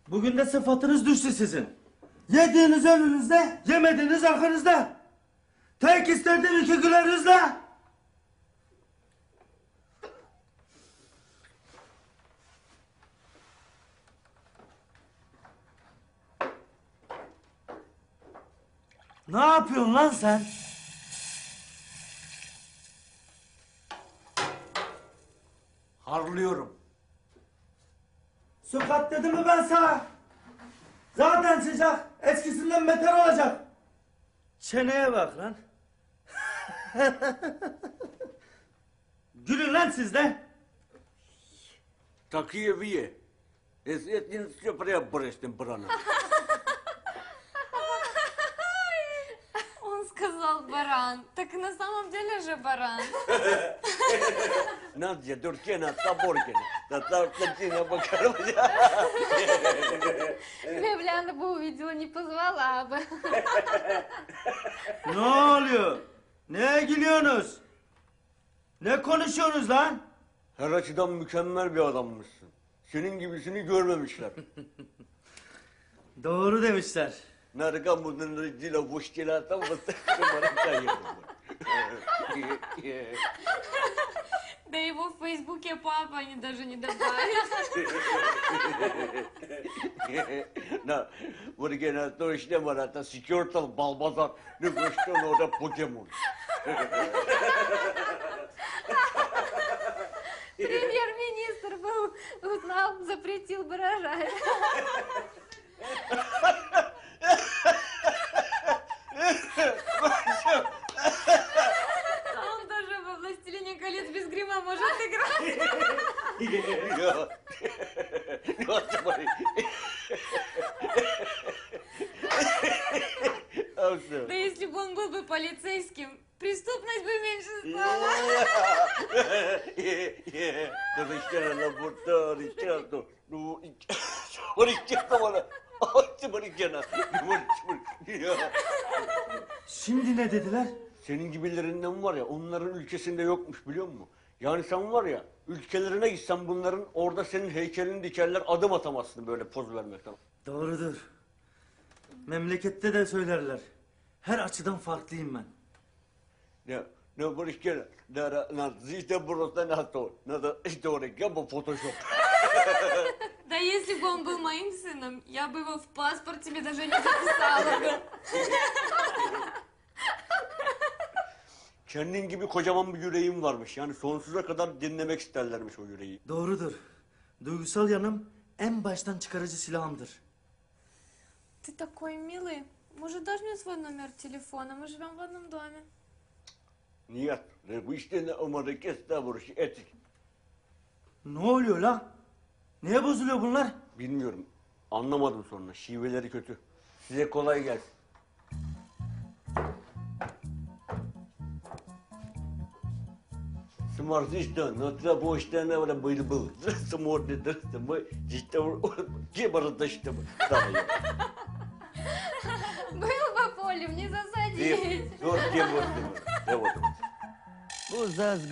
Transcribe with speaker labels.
Speaker 1: Bugün de sıfatınız düştü sizin. Yediğiniz önünüzde, yemediğiniz arkanızda. Tek istediğim iki gülerinizle. Ne yapıyorsun lan sen?
Speaker 2: Harlıyorum.
Speaker 1: Su kat dedim mi ben sana? Zaten sıcak, eskisinden beter olacak. Çeneye bak lan. Gülün lan siz de.
Speaker 2: Такие вы. Это не все приобрести брана.
Speaker 3: Он сказал баран. Так на самом деле же баран.
Speaker 2: Надя, Дуркина, Таборкина. Татаркина, Бакарова.
Speaker 3: Левляна бы увидела, не позвала бы.
Speaker 1: Ne oluyor? Neye gülüyorsunuz? Ne konuşuyorsunuz lan?
Speaker 2: Her açıdan mükemmel bir adammışsın. Senin gibisini görmemişler.
Speaker 1: Doğru demişler.
Speaker 2: Нарка муден родила в устила там вот
Speaker 3: Да его в Фейсбуке папа они даже не добавят.
Speaker 2: На, вот гена точно марата секретал балбазар, не что надо покемон.
Speaker 3: Премьер-министр был, узнал, запретил бы рожать. А он даже во «Властелине колец» без грима может играть. Да если бы он был бы полицейским, преступность бы меньше стала.
Speaker 1: Şimdi ne dediler?
Speaker 2: Senin gibilerinden var ya, onların ülkesinde yokmuş biliyor musun? Yani sen var ya, ülkelerine gitsen bunların orada senin heykelini dikerler, adım atamazsın böyle poz vermekten.
Speaker 1: Doğrudur. Memlekette de söylerler. Her açıdan farklıyım ben.
Speaker 2: Ne barış gene, ne zişte burası ne to, ne de işte oraya bu Photoshop.
Speaker 3: Да если бы он был моим сыном, я бы его в паспорт тебе даже не записала бы.
Speaker 2: Kendin gibi kocaman bir yüreğim varmış. Yani sonsuza kadar dinlemek isterlermiş o yüreği.
Speaker 1: Doğrudur. Duygusal yanım en baştan çıkarıcı silahımdır.
Speaker 3: Ты такой милый. Может, дашь мне свой номер телефона? Мы живем в одном доме.
Speaker 2: Niyet. Bu işte ne umarı kesta vuruşu etik.
Speaker 1: Ne oluyor la? Neye bozuluyor bunlar?
Speaker 2: Bilmiyorum. Anlamadım sonra. Şiveleri kötü. Size kolay gelsin. Смордишься, но ты будешь на время был. Смотри, да, мы здесь где бородачь-то мы.
Speaker 3: Был по полю, не засадить.
Speaker 2: Вот где вот.
Speaker 1: Bu zaz